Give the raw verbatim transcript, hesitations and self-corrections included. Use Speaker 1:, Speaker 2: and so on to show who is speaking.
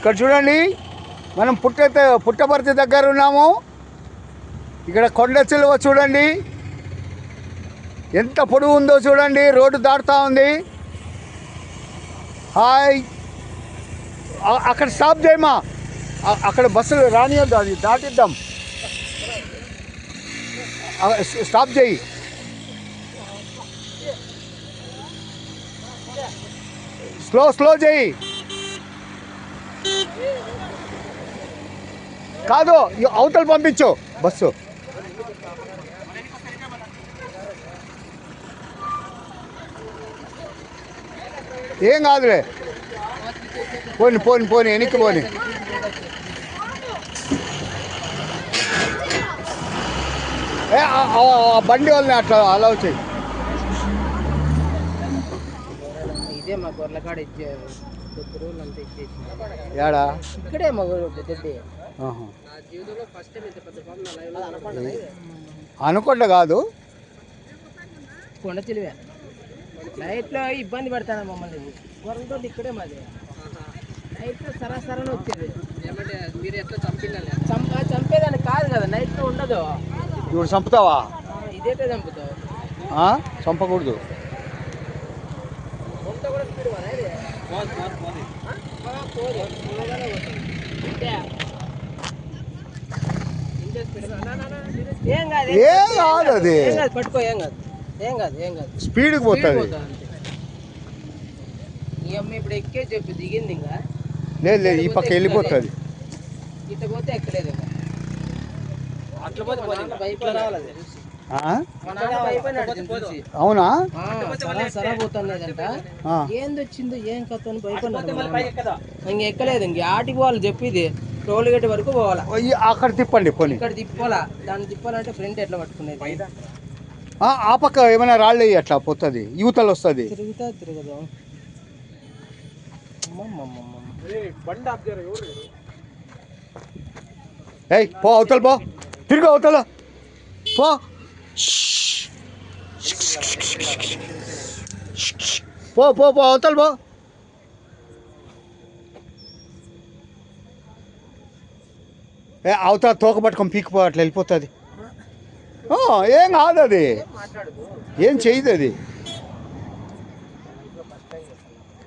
Speaker 1: ఇక్కడ చూడండి, మనం పుట్ట పుట్టపర్తి దగ్గర ఉన్నాము. ఇక్కడ కొండ చిలువ చూడండి ఎంత పొడవు ఉందో చూడండి. రోడ్డు దాటుతూ ఉంది. హాయ్, అక్కడ స్టాప్ చేయమా, అక్కడ బస్సులు రానియద్దు, అది దాటిద్దాం. స్టాప్ చేయి. స్లో స్లో చేయి. కాదు, అవతల పంపించు బస్సు. ఏం కాదులే, పోని పోని పోని వెనక్కి పోని. ఏ బండి వాళ్ళని అట్లా అలా వచ్చాయి.
Speaker 2: ఇదే మా గొర్రెల కాడ ఇచ్చారు, కొద్ది రోజులు అంతా ఇచ్చేసి
Speaker 1: ఏడా
Speaker 2: ఇక్కడే మా గొర్రె దొడ్డి.
Speaker 1: అనుకుంటా కాదు,
Speaker 2: కొండ చిలివే. నైట్లో ఇబ్బంది పెడతాను మమ్మల్ని. గొర్రెలతో ఇక్కడే మాది. నైట్లో సరాసరని వచ్చేది. మీరు ఎట్లా చంపిల్లా? చంప చంపేదాన్ని కాదు కదా, నైట్లో ఉండదు.
Speaker 1: ఇప్పుడు చంపుతావా?
Speaker 2: ఇదేటే చంపుతావు.
Speaker 1: చంపకూడదు.
Speaker 2: ఏం కాదు,
Speaker 1: ఏం కాదు, అది
Speaker 2: పట్టుకో. ఏం కాదు, ఏం కాదు, ఏం కాదు.
Speaker 1: స్పీడ్కి పోతుంది.
Speaker 2: ఈ అమ్మ ఇప్పుడు ఎక్కే చెప్పు, దిగింది. ఇంకా
Speaker 1: లేదు లేదు, ఈ పక్క వెళ్ళిపోతుంది.
Speaker 2: ఇట్లా పోతే ఎక్కలేదు.
Speaker 1: అవునా?
Speaker 2: సరా పోతున్నదంట. ఏందొచ్చిందో ఏం కథ అని భయపడినాడు. ఇంక ఎక్కలేదు. ఇంక ఆటికి పోవాలి చెప్పిది. టోల్ గేట్ వరకు పోవాలా.
Speaker 1: అక్కడ తిప్పండి, పోనీ.
Speaker 2: ఇక్కడ తిప్పాలా. దాన్ని తిప్పాలంటే ఫ్రంట్ ఎట్లా పట్టుకునేది?
Speaker 1: ఆ పక్క ఏమైనా రాళ్ళు అట్లా పోతుంది, యువతలు వస్తుంది.
Speaker 2: తిరుగుతా తిరగదు.
Speaker 1: ఏయ్ పో, అవతల పో, తిరుగు అవతల పో. పో పో పో అవతల పో. ఏ అవతల తోక పట్టుకొని పీకిపో, అట్లా వెళ్ళిపోతుంది. ఏం కాదు, అది ఏం చేయదు అది.